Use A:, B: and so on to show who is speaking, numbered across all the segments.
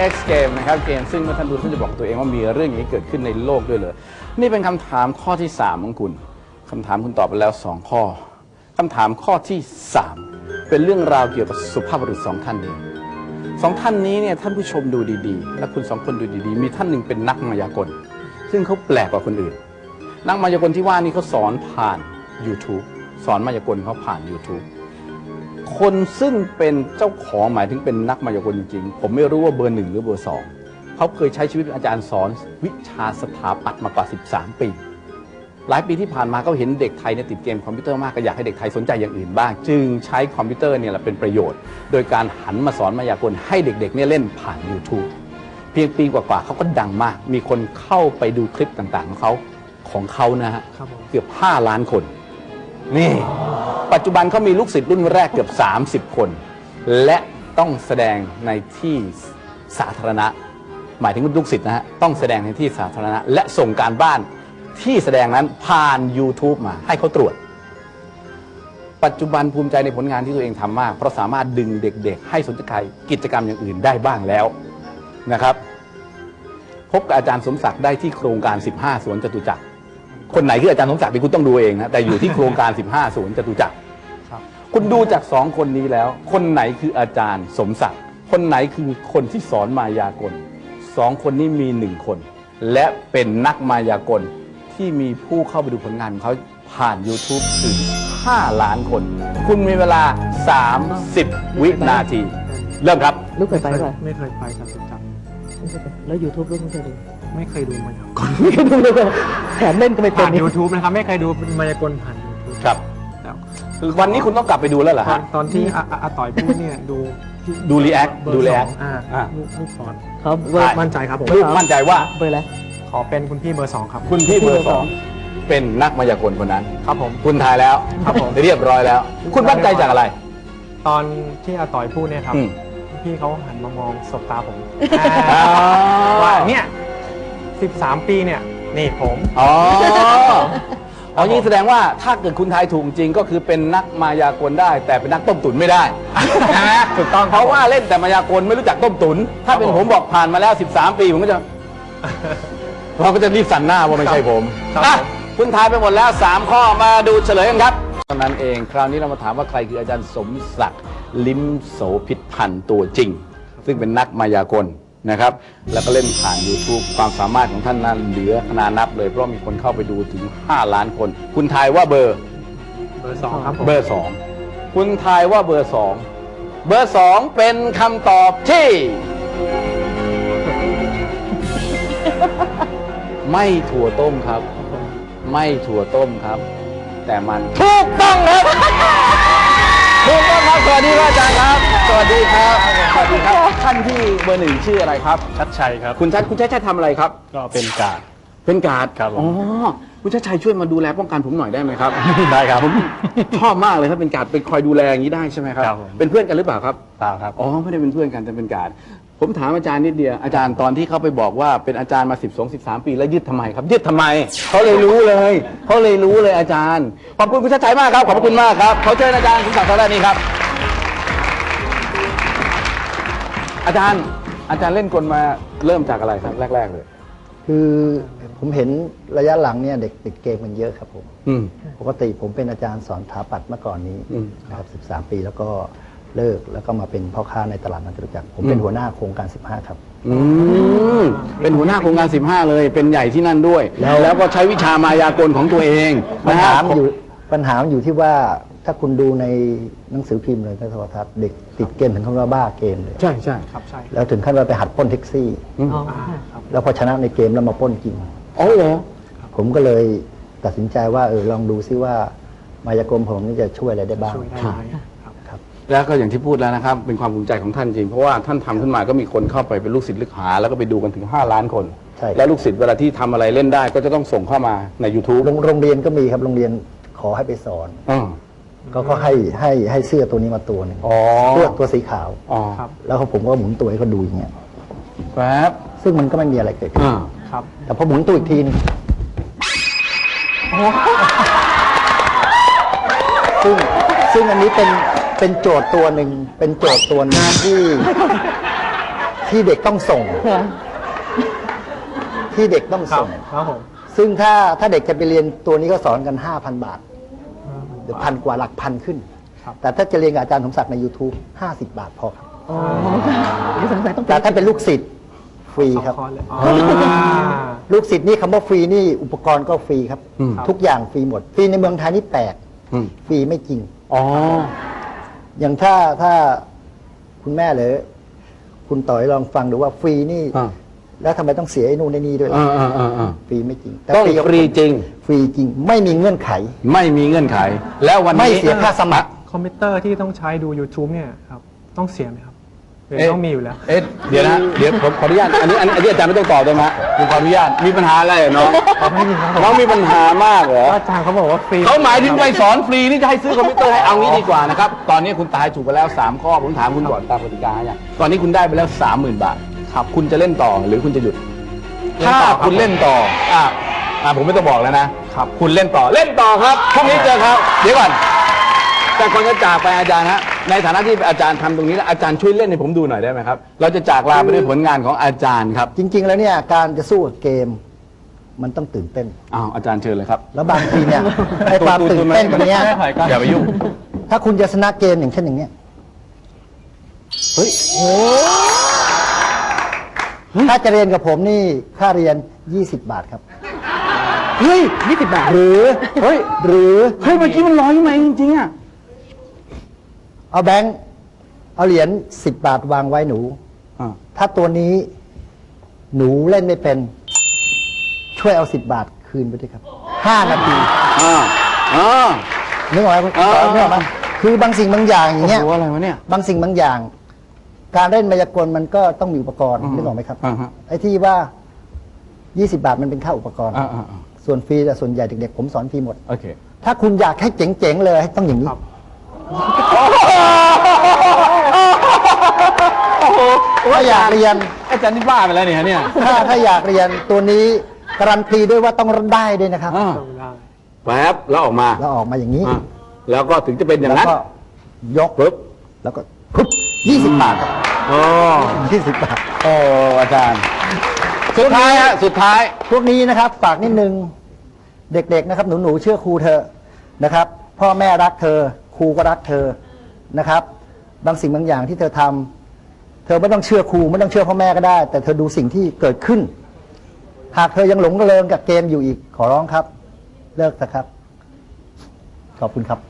A: X Game นะครับเกมซึ่งเมื่อท่านดูท่านจะบอกตัวเองว่ามีเรื่องอย่างนี้เกิดขึ้นในโลกด้วยเลยนี่เป็นคำถามข้อที่3ของคุณคำถามคุณตอบไปแล้ว2ข้อคำถามข้อที่3เป็นเรื่องราวเกี่ยวกับสุภาพบุรุษ2ท่านเอง2ท่านนี้เนี่ยท่านผู้ชมดูดีๆและคุณ2คนดูดีๆมีท่านหนึ่งเป็นนักมายากลซึ่งเขาแปลกกว่าคนอื่นนักมายากลที่ว่านี่เขาสอนผ่าน YouTube สอนมายากลเขาผ่าน YouTube คนซึ่งเป็นเจ้าของหมายถึงเป็นนักมายากลจริงๆผมไม่รู้ว่าเบอร์1หรือเบอร์2เขาเคยใช้ชีวิตเป็นอาจารย์สอนวิชาสถาปัตย์มากว่า13ปีหลายปีที่ผ่านมาเขาเห็นเด็กไทยเนี่ยติดเกมคอมพิวเตอร์มากก็อยากให้เด็กไทยสนใจอย่างอื่นบ้างจึงใช้คอมพิวเตอร์เนี่ยแหละเป็นประโยชน์โดยการหันมาสอนมายากลให้เด็กๆเนี่ยเล่นผ่าน YouTube เพียงปีกว่าๆเขาก็ดังมากมีคนเข้าไปดูคลิปต่างๆของเขานะฮะเกือบ5 ล้านคนนี่ปัจจุบันเขามีลูกศิษย์รุ่นแรกเกือบ30 คนและต้องแสดงในที่สาธารณะหมายถึงลูกศิษย์นะฮะต้องแสดงในที่สาธารณะและส่งการบ้านที่แสดงนั้นผ่าน YouTube มาให้เขาตรวจปัจจุบันภูมิใจในผลงานที่ตัวเองทำมากเพราะสามารถดึงเด็กๆให้สนใจกิจกรรมอย่างอื่นได้บ้างแล้วนะครับพบกับอาจารย์สมศักดิ์ได้ที่โครงการ15 สวนจตุจักรคนไหนคืออาจารย์สมศักดิ์ที่คุณต้องดูเองนะแต่อยู่ที่โครงการ15 สวนจตุจักรคุณดูจาก2 คนนี้แล้วคนไหนคืออาจารย์สมศักดิ์คนไหนคือคนที่สอนมายากล2 คนนี้มี1 คนและเป็นนักมายากลที่มีผู้เข้าไปดูผลงานของเขาผ่าน YouTube ถึง5 ล้านคนคุณมีเวลา30 วินาทีเริ่มครับ
B: ลูกเคยไปป่ะ
C: ไม่เคยไปจตุจักร
B: แล้ว YouTube ลูกไม่เคยดู
C: ไม่เคยดูมายากล
B: ไม่เคยดูเลยแถมเล่นก็ไม่เป็น
C: ผ่าน YouTube นะครับไม่เคยดูมายากลผ่าน YouTube
A: ครับวันนี้คุณต้องกลับไปดูแล้วเหรอฮะ
C: ตอนที่อาต่อยพูดเนี่ย
A: ดูรีแอคดูรีแอค
C: ลูกสอน
B: ครับ
C: มั่นใจครับผม
A: ลูกมั่นใจว่า
B: เบอร์อะไร
C: ขอเป็นคุณพี่เบอร์2ครับ
A: คุณพี่เบอร์2เป็นนักมายากลคนนั้น
C: ครับผม
A: คุณทายแล้ว
C: ครับผม
A: เรียบร้อยแล้วคุณมั่นใจจากอะไร
C: ตอนที่อาต่อยพูดเนี่ยครับพี่เขาหันมามองสบตาผมว่าเนี่ย13 ปีเนี่ยนี่ผม
A: ยิ่งแสดงว่าถ้าเกิดคุณทายถูกจริงก็คือเป็นนักมายากลได้แต่เป็นนักต้มตุ๋นไม่ได้นะ
C: ถูกต้อง
A: เพราะว่าเล่นแต่มายากลไม่รู้จักต้มตุ๋นถ้าเป็นผมบอกผ่านมาแล้ว13 ปีผมก็จะเราก็จะรีบสั่นหน้าว่าไม่ใช่ผมคุณทายไปหมดแล้ว3 ข้อมาดูเฉลยกันครับตอนนั้นเองคราวนี้เรามาถามว่าใครคืออาจารย์สมศักดิ์ลิ้มโสภิตพันธ์ตัวจริงซึ่งเป็นนักมายากลนะครับแล้วก็เล่นผ่าน YouTube ความสามารถของท่านนั้นเหลือขนานับเลยเพราะมีคนเข้าไปดูถึง5 ล้านคนคุณทายว่าเบอร์
C: 2ครับ
A: เบอร์2คุณทายว่าเบอร์2เบอร์2เป็นคำตอบที่ไม่ถั่วต้มครับไม่ถั่วต้มครับแต่มันถูกต้องครับถูกต้องครับสวัสดีครับอาจารย์ครับสวัสดีครับสวัสดีครับท่านที่เบอร์1ชื่ออะไรครับ
C: ชัดชัยครับ
A: คุณชัดชัยทำอะไรครับ
C: ก็เป็นการ์ด
A: ครับอ๋อคุณชัดชัยช่วยมาดูแลป้องกันผมหน่อยได้ไหมครับ
C: ได้ครับ
A: ผมชอบมากเลยถ้าเป็นการ์ดเป็นคอยดูแลอย่างนี้ได้ใช่ไหมครับเป็นเพื่อนกันหรือเปล่าครับ
C: เปล่าครับ
A: อ๋อไม่ได้เป็นเพื่อนกันแต่เป็นการ์ดผมถามอาจารย์นิดเดียวอาจารย์ตอนที่เขาไปบอกว่าเป็นอาจารย์มา12-13 ปีแล้วยึดทำไมครับยึดทำไมเขาเลยรู้เลยอาจารย์ขอบคุณคุณชัดชัยมากครับขอบคุณมากครับเขาเชิญอาจารย์สมศักดิ์ทางด้านนี้ครับอาจารย์เล่นกลมาเริ่มจากอะไรครับแรกเลย
D: คือผมเห็นระยะหลังเนี่ยเด็กติดเกมมันเยอะครับผมปกติผมเป็นอาจารย์สอนสถาปัตย์เมื่อก่อนนี้นะครับ13 ปีแล้วก็เลิกแล้วก็มาเป็นพ่อค้าในตลาดนัดจตุจักรผมเป็นหัวหน้าโครงการ15ครับ
A: เป็นหัวหน้าโครงการ15เลยเป็นใหญ่ที่นั่นด้วยแล้วก็ใช้วิชามายากลของตัวเอง
D: ปัญหาอยู่ที่ว่าถ้าคุณดูในหนังสือพิมพ์เลยในโทรทัศน์เด็กติดเกมถึงขั้นว่าบ้าเกมเลย
A: ใช่
C: ครับใช่
D: แล้วถึงขั้นว่าไปหัดปล้นแท็กซี่แล้วพอชนะในเกมแล้วมาปล้นจริง
A: อ๋อเหรอ
D: ผมก็เลยตัดสินใจว่าลองดูซิว่ามายากลผมนี่จะช่วยอะไรได้บ้าง
A: แล้วก็อย่างที่พูดแล้วนะครับเป็นความภูมิใจของท่านจริงเพราะว่าท่านทำขึ้นมาก็มีคนเข้าไปเป็นลูกศิษย์ลูกหาแล้วก็ไปดูกันถึง5 ล้านคนและลูกศิษย์เวลาที่ทำอะไรเล่นได้ก็จะต้องส่งเข้ามาใน YouTube
D: โรงเรียนก็มีครับโรงเรียนขอให้ไปสอนก็ให้เสื้อตัวนี้มาตัวนึงตัวสีขาวแล้วผมก็หมุนตัวให้เขาดูอย่างเงี้ย
A: ครับ
D: ซึ่งมันก็ไม่มีอะไรเกิดขึ้นแต่พอหมุนตัวอีกทีนึงซึ่งอันนี้เป็นโจทย์ตัวหนึ่งที่ที่เด็กต้องส่ง
B: ค่ะ
D: ที่เด็กต้อง
C: ครับ
D: ส่ง
C: ครับผม
D: ซึ่งถ้าเด็กจะไปเรียนตัวนี้ก็สอนกัน 5,000 บาทหรือ1,000 กว่าหลักพันขึ้น
C: ครับ
D: แต่ถ้าจะเรียนกับอาจารย์สมศักดิ์ใน YouTube 50 บาทพอครับ
B: อ๋อค่ะเดี๋ยวสงสัยต้อง
D: แต่ถ้าเป็นลูกศิษย์ฟรีครับ
C: คอร์สเลยอ๋อ
D: ลูกศิษย์นี่คำว่าฟรีนี่อุปกรณ์ก็ฟรีครับ
A: อืม
D: ทุกอย่างฟรีหมด ฟรีในเมืองไทยนี่แปลก
A: อืม
D: ฟรีไม่จริง
A: อ๋อ
D: อย่างถ้าคุณแม่หรือคุณต่อยลองฟังดูว่าฟรีนี่
A: อ่า
D: แล้วทำไมต้องเสียไอ้นู่นไอ้นี่ด้วยล่ะ ฟรีไม่จริง
A: ต้อง
D: กับ
A: ฟรีจริง
D: ฟรีจริง ไม่มีเงื่อนไข
A: ไม่มีเงื่อนไข แล้ววันนี้
D: ไม่เสียค่าสมัคร
C: คอมพิวเตอร์ที่ต้องใช้ดู YouTube เนี่ยครับต้องเสียไหมครับหรือ
A: เอ๊ะ
C: ต้องมีอยู่แล้ว
A: เอ๊ะเดี๋ยวนะเดี๋ยวผมขออนุญาตอันนี้อาจารย์ไม่ต้องตอบได้ไหมฮะผมขออนุญาตมีปัญหาอะไรเหรอน้อง
C: ไม่มีครับผม
A: น้องมีปัญหามากเหรอ
C: อาจารย์เขาบอกว่าฟรี
A: เขาหมายถึงไปสอนฟรีนี่จะให้ซื้อคอมพิวเตอร์ให้เอางี้ดีกว่านะครับตอนนี้คุณตายถูกไปแล้ว3ข้อผมถามคุณก่อนตามกติกาอย่างตอนนี้คุณได้ไปแล้ว 30,000 บาทครับคุณจะเล่นต่อหรือคุณจะหยุด ถ้าคุณเล่นต่อผมไม่ต้องบอกแล้วนะครับคุณเล่นต่อครับพรุ่งนี้เจอครับเดี๋ยวก่อนแต่ก่อนจะจากไปอาจารย์ฮะในฐานะที่อาจารย์ทำตรงนี้แล้วอาจารย์ช่วยเล่นให้ผมดูหน่อยได้ไหมครับเราจะจากลาไปด้วยผลงานของอาจารย์ครับ
D: จริง ๆ แล้วเนี่ยการจะสู้กับเกม มันต้องตื่นเต้น
A: อ้าวอาจารย์เชิญเลยครับ
D: แล้วบางทีเนี่ยไอ้ความตื่นเต้นตรงเนี้ย
A: อย่าไปยุ่ง
D: ถ้าคุณจะชนะเกมอย่างเช่นอย่างเนี้ย
A: เฮ้ย
D: ถ้าจะเรียนกับผมนี่ค่าเรียน 20 บาทครับ
A: เฮ้ย20 บาท
D: หรือเฮ้ย
A: เมื่อกี้มัน100ไหมจริงๆอ่ะ
D: เอาแบงค์เอาเหรียญ10 บาทวางไว้หนู ถ้าตัวนี้หนูเล่นไม่เป็น ช่วยเอา10 บาทคืนไปด้วยครับ 5 นาที นึกออกไหมคุณ
A: อ่า
D: นึกออกไหมคือบางสิ่งบางอย่างอย่างเงี้ย
A: โอ้โหอะไรวะเนี่ย
D: บางสิ่งบางอย่าง การเล่นมายากลมันก็ต้องมีอุปกรณ์นึกออกไหมครับ
A: อ่าฮะ
D: ไอ้ที่ว่า 20 บาทมันเป็นค่าอุปกรณ์ ส่วนฟรีแต่ส่วนใหญ่เด็กๆผมสอนฟรีหมด
A: โอเค
D: ถ้าคุณอยากให้เจ๋งๆเลยต้องอย่างนี้ ถ้าอยากเรียน
A: อาจารย์นี่บ้าไปแล้วเนี่ย
D: ถ้าอยากเรียนตัวนี้การันตีด้วยว่าต้องได้ด้วยนะครับ
A: แป๊บแล้วออกมา
D: แล้วออกมาอย่างนี้
A: แล้วก็ถึงจะเป็นอย่าง
D: แล้ว
A: นั้น
D: ก็ยกปุ๊บแล้วก็ปุ๊บ20 บาทครับ
A: อ๋อ
D: 20 บาท
A: โอ้อาจารย์ สุดท้ายฮะสุดท้าย
D: พวกนี้นะครับฝากนิดนึงเด็กๆนะครับหนูๆเชื่อครูเธอะนะครับ พ่อแม่รักเธอ ครูก็รักเธอนะครับ บางสิ่งบางอย่างที่เธอทำเธอไม่ต้องเชื่อครูไม่ต้องเชื่อพ่อแม่ก็ได้ แต่เธอดูสิ่งที่เกิดขึ้น หากเธอยังหลงระเริงกับเกมอยู่อีกขอร้องครับ เลิกเถอะครับ ขอบคุณครับ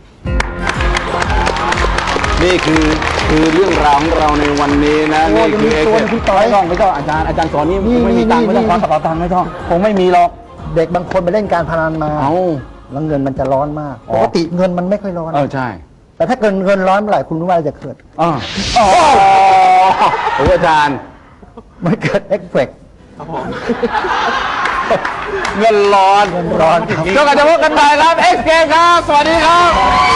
A: นี่คือเรื่องราวของเราในวันนี้นะ
D: โอ้
A: นี่คือ
D: ยังมีตัวหนึ่งคุณต่อย
A: ไม่ต้องอาจารย์สอนนี่
D: นี่
A: ไม่มีตังค์
D: นี่
A: ไม่ต้อง
D: นี่
A: ขอกระเป๋าตังค์ไม่ต้องคงไม่มีหรอก
D: เด็กบางคนไปเล่นการพนันมา
A: เอา
D: แล้วเงินมันจะร้อนมาก
A: อ๋อ
D: ปกติเงินมันไม่ค่อยร้อน
A: ใช่
D: แต่ถ้าเงินร้อนเมื่อไหร่คุณรู้ว่าอะไรจะเกิด
A: โอ้อาจารย์
D: มันเกิดเอฟเฟกต์
A: เงินร้อน
D: เงินร้อนครับ
A: ก็กันจะพบกันใหม่ครับเอ็กซ์เกมครับ สวัสดีครับ